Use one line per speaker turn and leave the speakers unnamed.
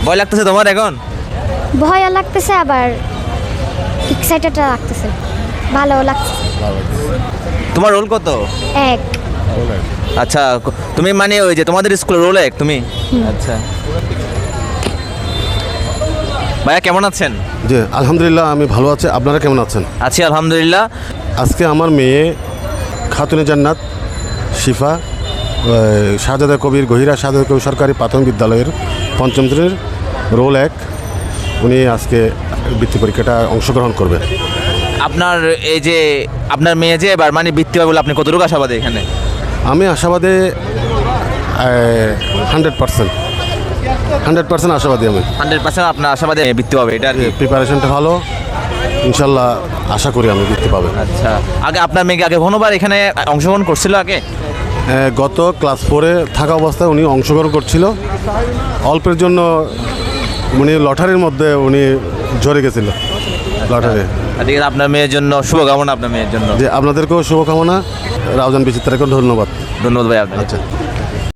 ভয় লাগতেছে তোমার এখন?
ভয়ও লাগতেছে আবার এক্সাইটেড লাগতেছে, ভালো লাগছে।
তোমার রোল কত?
এক।
আচ্ছা, তুমি মানে ওই যে তোমাদের স্কুলের রোল এক তুমি? আচ্ছা ভাইয়া কেমন আছেন?
জি আলহামদুলিল্লাহ, আমি ভালো আছি। আপনারা কেমন আছেন?
আছি আলহামদুলিল্লাহ।
আজকে আমার মেয়ে খাতুনে জান্নাত শিফা শাহজাদা কবির গহিরা শাহজাদা কবির সরকারি প্রাথমিক বিদ্যালয়ের পঞ্চম শ্রেণীর রোল এক, উনি আজকে বৃত্তি পরীক্ষাটা অংশগ্রহণ করবে।
আপনার এই যে আপনার মেয়ে যে এবার মানে বৃত্তি পাবে বলে আপনি কতটুকু আশাবাদী এখানে?
আমি আশাবাদে 100% আশাবাদী। আমি
100% আপনার আশাবাদী বৃত্তি পাবে, এটা আর কি।
প্রিপারেশনটা ভালো, ইনশাল্লাহ আশা করি আমি বৃত্তি পাবে।
আচ্ছা, আগে আপনার মেয়েকে আগে কোনোবার এখানে অংশগ্রহণ করছিল আগে?
গত ক্লাস 4-এ থাকা অবস্থায় উনি অংশগ্রহণ করছিল। অল্পের জন্য উনি লটারির মধ্যে উনি ঝরে গেছিল, লটারি।
ঠিক আছে, আপনার মেয়ের জন্য শুভকামনা, আপনার মেয়ের জন্য।
যে আপনাদেরকেও শুভকামনা। রাউজান বিচিত্রাকে ধন্যবাদ।
ধন্যবাদ ভাই আপনাকে।
আচ্ছা।